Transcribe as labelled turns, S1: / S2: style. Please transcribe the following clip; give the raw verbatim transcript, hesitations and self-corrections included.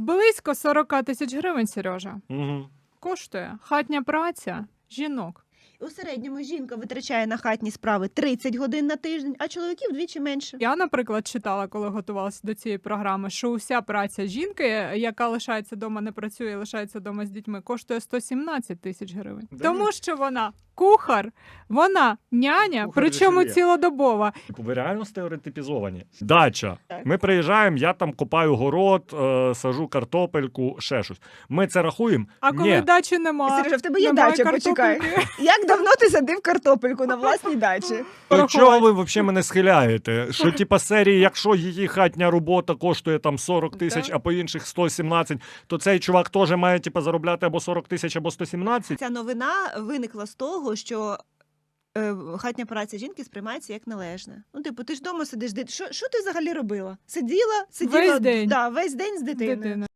S1: Близько сорок тисяч гривень, Сережа,
S2: Угу.
S1: коштує хатня праця жінок.
S3: У середньому жінка витрачає на хатні справи тридцять годин на тиждень, а чоловіків вдвічі менше.
S1: Я, наприклад, читала, коли готувалася до цієї програми, що уся праця жінки, яка лишається вдома, не працює, лишається вдома з дітьми, коштує сто сімнадцять тисяч гривень.
S2: Да
S1: Тому
S2: ні.
S1: що вона кухар, вона няня,
S2: Кухар
S1: причому
S2: дешевле.
S1: цілодобова.
S2: Ви реально стереотипізовані. Дача.
S3: Так.
S2: Ми приїжджаємо, я там копаю город, е, сажу картопельку, ще щось. Ми це рахуємо?
S1: А коли
S2: Ні.
S1: дачі нема,
S3: Сережа, в тебе є
S1: немає
S3: дача, почекай.
S1: картопельки.
S3: Як давно ти садив картопельку на власній дачі?
S2: До
S1: порахувати.
S2: чого ви взагалі мене схиляєте? Що типа серії, якщо її хатня робота коштує там сорок тисяч,
S1: Так.
S2: а по інших сто сімнадцять, то цей чувак теж має типа заробляти або сорок тисяч, або сто сімнадцять?
S3: Ця новина виникла з того, що е, хатня праця жінки сприймається як належне. Ну, типу, ти ж вдома сидиш, дит- що, що ти взагалі робила? Сиділа, сиділа
S1: Весь день.
S3: Да, весь день з дитиною.
S1: Дитина.